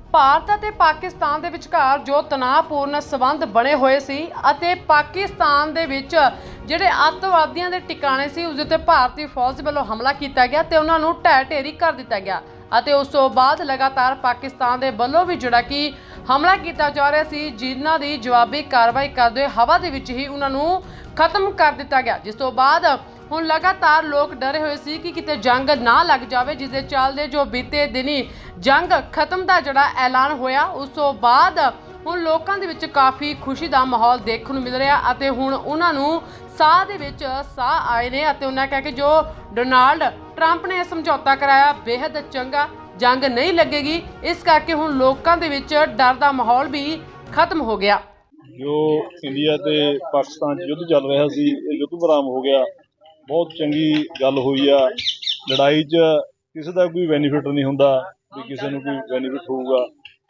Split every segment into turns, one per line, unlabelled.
ਭਾਰਤ ਅਤੇ ਪਾਕਿਸਤਾਨ ਦੇ ਵਿਚਕਾਰ ਜੋ ਤਣਾਅਪੂਰਨ ਸਬੰਧ ਬਣੇ ਹੋਏ ਸੀ ਅਤੇ ਪਾਕਿਸਤਾਨ ਦੇ ਵਿੱਚ ਜਿਹੜੇ ਅੱਤਵਾਦੀਆਂ ਦੇ ਟਿਕਾਣੇ ਸੀ ਉਸ ਉੱਤੇ ਭਾਰਤੀ ਫੌਜ ਵੱਲੋਂ ਹਮਲਾ ਕੀਤਾ ਗਿਆ ਤੇ ਉਹਨਾਂ ਨੂੰ ਢਹਿ ਢੇਰੀ ਕਰ ਦਿੱਤਾ ਗਿਆ ਅਤੇ ਉਸ ਤੋਂ ਬਾਅਦ ਲਗਾਤਾਰ ਪਾਕਿਸਤਾਨ ਦੇ ਵੱਲੋਂ ਵੀ ਜਿਹੜਾ ਕਿ ਹਮਲਾ ਕੀਤਾ ਜਾ ਰਿਹਾ ਸੀ, ਜਿਨ੍ਹਾਂ ਦੀ ਜਵਾਬੀ ਕਾਰਵਾਈ ਕਰਦੇ ਹੋਏ ਹਵਾ ਦੇ ਵਿੱਚ ਹੀ ਉਹਨਾਂ ਨੂੰ ਖਤਮ ਕਰ ਦਿੱਤਾ ਗਿਆ। ਜਿਸ ਤੋਂ ਬਾਅਦ ਹੁਣ ਲਗਾਤਾਰ ਲੋਕ ਡਰੇ ਹੋਏ ਸੀ ਕਿ ਕਿਤੇ ਜੰਗ ਨਾ ਲੱਗ ਜਾਵੇ, ਜਿਸ ਦੇ ਚੱਲਦੇ ਜੋ ਬੀਤੇ ਦਿਨੀ ਜੰਗ ਖਤਮ ਦਾ ਜਿਹੜਾ ਐਲਾਨ ਹੋਇਆ ਉਸ ਤੋਂ ਬਾਅਦ ਹੁਣ ਲੋਕਾਂ ਦੇ ਵਿੱਚ ਕਾਫੀ ਖੁਸ਼ੀ ਦਾ ਮਾਹੌਲ ਦੇਖਣ ਨੂੰ ਮਿਲ ਰਿਹਾ ਅਤੇ ਹੁਣ ਉਹਨਾਂ ਨੂੰ ਸਾਹ ਦੇ ਵਿੱਚ ਸਾਹ ਆਏ ਨੇ ਅਤੇ ਉਹਨਾਂ ਕਹਿ ਕੇ ਜੋ ਡੋਨਾਲਡ ਟਰੰਪ ਨੇ ਸਮਝੌਤਾ ਕਰਾਇਆ ਬੇहद ਚੰਗਾ, ਜੰਗ ਨਹੀਂ ਲੱਗੇਗੀ, ਇਸ ਕਰਕੇ ਹੁਣ ਲੋਕਾਂ ਦੇ ਵਿੱਚ ਡਰ ਦਾ ਮਾਹੌਲ ਵੀ ਖਤਮ ਹੋ ਗਿਆ।
ਜੋ ਇੰਡੀਆ ਤੇ ਪਾਕਿਸਤਾਨ 'ਚ ਯੁੱਧ ਚੱਲ ਰਿਹਾ ਸੀ, ਇਹ ਯੁੱਧ ਵਿਰਾਮ ਹੋ ਗਿਆ, ਬਹੁਤ ਚੰਗੀ ਗੱਲ ਹੋਈ ਆ। ਲੜਾਈ 'ਚ ਕਿਸੇ ਦਾ ਕੋਈ ਬੈਨੀਫਿਟ ਨਹੀਂ ਹੁੰਦਾ ਵੀ ਕਿਸੇ ਨੂੰ ਕੋਈ ਬੈਨੀਫਿਟ ਹੋਊਗਾ,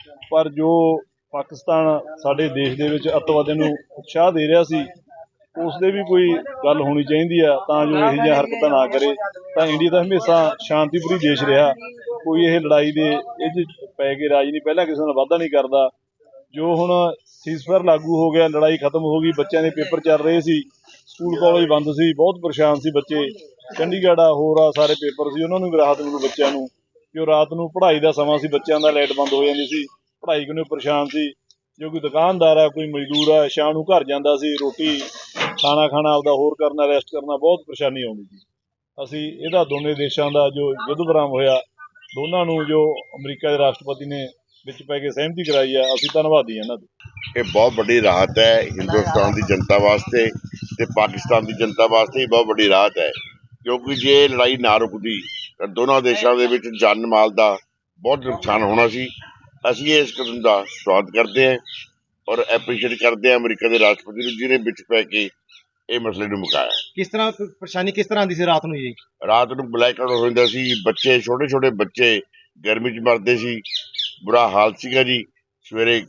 ਪਰ ਜੋ ਪਾਕਿਸਤਾਨ ਸਾਡੇ ਦੇਸ਼ ਦੇ ਵਿੱਚ ਅੱਤਵਾਦੀਆਂ ਨੂੰ ਉਤਸ਼ਾਹ ਦੇ ਰਿਹਾ ਸੀ ਉਸ ਦੇ ਵੀ ਕੋਈ ਗੱਲ ਹੋਣੀ ਚਾਹੀਦੀ ਆ ਤਾਂ ਜੋ ਇਹੋ ਜਿਹੀਆਂ ਹਰਕਤਾਂ ਨਾ ਕਰੇ। ਤਾਂ ਇੰਡੀਆ ਤਾਂ ਹਮੇਸ਼ਾ ਸ਼ਾਂਤੀਪੂਰੀ ਦੇਸ਼ ਰਿਹਾ, ਕੋਈ ਇਹ ਲੜਾਈ ਦੇ ਇਹ 'ਚ ਪੈ ਕੇ ਰਾਜ ਨਹੀਂ, ਪਹਿਲਾਂ ਕਿਸੇ ਨਾਲ ਵਾਅਦਾ ਨਹੀਂ ਕਰਦਾ। ਜੋ ਹੁਣ ਸੀਜ਼ਫਾਇਰ ਲਾਗੂ ਹੋ ਗਿਆ, ਲੜਾਈ ਖਤਮ ਹੋ ਗਈ, ਬੱਚਿਆਂ ਦੇ ਪੇਪਰ ਚੱਲ ਰਹੇ ਸੀ, ਸਕੂਲ ਕਾਲਜ ਬੰਦ ਸੀ, ਬਹੁਤ ਪਰੇਸ਼ਾਨ ਸੀ ਬੱਚੇ, ਚੰਡੀਗੜ੍ਹ ਆ ਹੋਰ ਆ ਸਾਰੇ ਪੇਪਰ ਸੀ, ਉਹਨਾਂ ਨੂੰ ਵੀ ਰਾਹਤ ਮਿਲੂ ਬੱਚਿਆਂ ਨੂੰ। ਜੋ ਰਾਤ ਨੂੰ ਪੜ੍ਹਾਈ ਦਾ ਸਮਾਂ ਸੀ, ਬੱਚਿਆਂ ਦਾ ਲਾਈਟ ਬੰਦ ਹੋ ਜਾਂਦੀ ਸੀ, ਪੜ੍ਹਾਈ ਕਿਉਂ ਪਰੇਸ਼ਾਨ ਸੀ। ਜੋ ਕੋਈ ਦੁਕਾਨਦਾਰ ਆ, ਕੋਈ ਮਜ਼ਦੂਰ ਆ, ਸ਼ਾਮ ਨੂੰ ਘਰ ਜਾਂਦਾ ਸੀ, ਰੋਟੀ ਖਾਣਾ ਆਪਦਾ ਹੋਰ ਕਰਨਾ, ਰੈਸਟ ਕਰਨਾ, ਬਹੁਤ ਪਰੇਸ਼ਾਨੀ ਆਉਂਦੀ ਸੀ। ਅਸੀਂ ਇਹਦਾ ਦੋਨੇ ਦੇਸ਼ਾਂ ਦਾ ਜੋ ਯੁੱਧ ਵਿਰਾਮ ਹੋਇਆ, ਦੋਨਾਂ ਨੂੰ ਜੋ ਅਮਰੀਕਾ ਦੇ ਰਾਸ਼ਟਰਪਤੀ ਨੇ ਵਿੱਚ ਪੈ ਕੇ ਸਹਿਮਤੀ ਕਰਾਈ ਆ, ਅਸੀਂ ਧੰਨਵਾਦੀ ਹਾਂ ਇਹਨਾਂ ਦੇ।
ਇਹ ਬਹੁਤ ਵੱਡੀ ਰਾਹਤ ਹੈ ਹਿੰਦੁਸਤਾਨ ਦੀ ਜਨਤਾ ਵਾਸਤੇ ਤੇ ਪਾਕਿਸਤਾਨ ਦੀ ਜਨਤਾ ਵਾਸਤੇ ਬਹੁਤ ਵੱਡੀ ਰਾਹਤ ਹੈ, ਕਿਉਂਕਿ ਜੇ ਲੜਾਈ ਨਾ ਰੁਕਦੀ ਤਾਂ ਦੋਨਾਂ ਦੇਸ਼ਾਂ ਦੇ ਵਿੱਚ ਜਾਨ ਮਾਲ ਦਾ ਬਹੁਤ ਨੁਕਸਾਨ ਹੋਣਾ ਸੀ। ਅਸੀਂ ਇਸ ਕਦਮ ਦਾ ਸਵਾਗਤ ਕਰਦੇ ਹਾਂ ਔਰ ਐਪਰੀਸ਼ੀਏਟ ਕਰਦੇ ਹਾਂ ਅਮਰੀਕਾ ਦੇ ਰਾਸ਼ਟਰਪਤੀ ਨੂੰ, ਜਿਹਨੇ ਵਿੱਚ ਪੈ ਕੇ ਇਹ ਮਸਲੇ ਨੂੰ ਮੁਕਾਇਆ।
ਕਿਸ ਤਰ੍ਹਾਂ ਪਰੇਸ਼ਾਨੀ ਕਿਸ ਤਰ੍ਹਾਂ ਆਉਂਦੀ ਸੀ ਰਾਤ ਨੂੰ ਜੀ?
ਰਾਤ ਨੂੰ ਬਲੈਕ ਆਊਟ ਹੋ ਜਾਂਦਾ ਸੀ, ਬੱਚੇ ਛੋਟੇ ਬੱਚੇ ਗਰਮੀ 'ਚ ਮਰਦੇ ਸੀ, ਬੁਰਾ ਹਾਲ ਸੀਗਾ ਜੀ। ਸਵੇਰੇ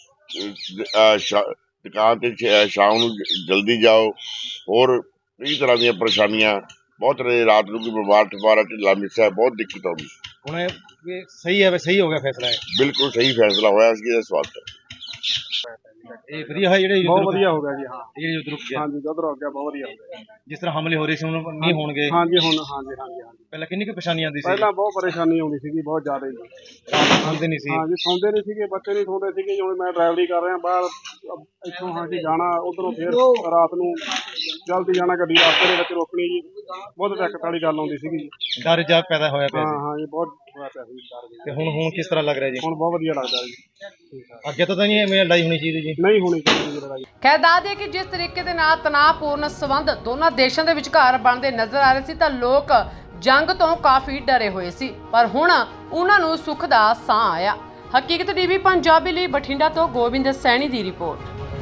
ਦੁਕਾਨ ਤੇ ਸ਼ਾਮ ਨੂੰ ਜਲਦੀ ਜਾਓ, ਹੋਰ ਕਈ ਤਰ੍ਹਾਂ ਦੀਆਂ ਪਰੇਸ਼ਾਨੀਆਂ ਬਹੁਤ ਰਹੇ। ਰਾਤ ਨੂੰ ਕੋਈ ਬਿਮਾਰ ਢਿੱਲਾ ਮਿੱਸਾ ਬਹੁਤ ਦਿੱਕਤ ਆਉਂਦੀ।
ਹੁਣ ਇਹ ਸਹੀ ਹੈ, ਸਹੀ ਹੋ ਗਿਆ ਫੈਸਲਾ ਹੈ,
ਬਿਲਕੁਲ ਸਹੀ ਫੈਸਲਾ ਹੋਇਆ ਸੀ, ਇਹਦਾ ਸਵਾਗਤ ਹੈ।
ਇਹ ਵਧੀਆ ਹੈ ਜਿਹੜੇ
ਬਹੁਤ ਵਧੀਆ ਹੋ ਗਿਆ ਜੀ। ਹਾਂ
ਇਹ ਯੁੱਧ ਰੁਕ ਗਿਆ,
ਹਾਂਜੀ ਯੁੱਧ ਰੁਕ ਗਿਆ, ਬਹੁਤ ਵਧੀਆ ਹੋ ਗਿਆ।
ਜਿਸ ਤਰ੍ਹਾਂ ਹਮਲੇ ਹੋ ਰਹੇ ਸੀ ਹੁਣ ਨਹੀਂ ਹੋਣਗੇ।
ਹਾਂਜੀ ਹੁਣ ਹਾਂਜੀ
ਪਹਿਲਾਂ ਕਿੰਨੀ ਕੁ ਪਰੇਸ਼ਾਨੀ ਆਉਂਦੀ ਸੀ?
ਪਹਿਲਾਂ ਬਹੁਤ ਪਰੇਸ਼ਾਨੀ ਆਉਂਦੀ ਸੀਗੀ, ਬਹੁਤ ਜ਼ਿਆਦਾ ਹੀ।
ਰਾਤ ਸੌਂਦੇ ਨਹੀਂ ਸੀ?
ਹਾਂਜੀ ਸੌਂਦੇ ਨਹੀਂ ਸੀਗੇ, ਬੱਚੇ ਨਹੀਂ ਸੌਂਦੇ ਸੀਗੇ। ਜਿਵੇਂ ਮੈਂ ਡਰਾਈਵਰੀ ਕਰ ਰਿਹਾ ਬਾਹਰ, ਇੱਥੋਂ ਹਾਂਜੀ ਜਾਣਾ, ਉਧਰੋਂ ਫਿਰ ਰਾਤ ਨੂੰ ਜਲਦੀ ਜਾਣਾ, ਗੱਡੀ ਰਸਤੇ ਦੇ ਵਿੱਚ ਰੋਕਣੀ ਜੀ, ਬਹੁਤ ਦਿੱਕਤ ਵਾਲੀ ਗੱਲ ਆਉਂਦੀ ਸੀਗੀ ਜੀ।
ਡਰ ਜਾ ਪੈਦਾ ਹੋਇਆ ਪਿਆ ਸੀ।
ਹਾਂ ਜੀ ਬਹੁਤ ਹੋਇਆ ਪਿਆ ਸੀ ਡਰ ਜੀ।
ਤੇ ਹੁਣ ਕਿਸ ਤਰ੍ਹਾਂ ਲੱਗ ਰਿਹਾ ਜੀ?
ਹੁਣ ਬਹੁਤ ਵਧੀਆ ਲੱਗਦਾ ਜੀ।
ਅੱਗੇ ਤੋਂ ਤਾਂ ਨਹੀਂ ਐਵੇਂ ਲੜਾਈ ਹੋਣੀ ਚਾਹੀਦੀ ਜੀ?
ਨਹੀਂ ਹੋਣੀ ਚਾਹੀਦੀ ਲੜਾਈ।
ਖੈਰ ਦੱਸ ਦਈਏ ਕਿ ਜਿਸ ਤਰੀਕੇ ਦੇ ਨਾਲ ਤਣਾਅਪੂਰਨ ਸਬੰਧ ਦੋਨਾਂ ਦੇਸ਼ਾਂ ਦੇ ਵਿਚਕਾਰ ਬਣਦੇ ਨਜ਼ਰ ਆ ਰਹੇ ਸੀ ਤਾਂ ਲੋਕ ਜੰਗ ਤੋਂ ਕਾਫੀ ਡਰੇ ਹੋਏ ਸੀ, ਪਰ ਹੁਣ ਉਹਨਾਂ ਨੂੰ ਸੁੱਖ ਦਾ ਸਾਹ ਆਇਆ। ਹਕੀਕਤ ਟੀਵੀ ਪੰਜਾਬੀ ਲਈ ਬਠਿੰਡਾ ਤੋਂ ਗੋਬਿੰਦ ਸੈਣੀ ਦੀ ਰਿਪੋਰਟ।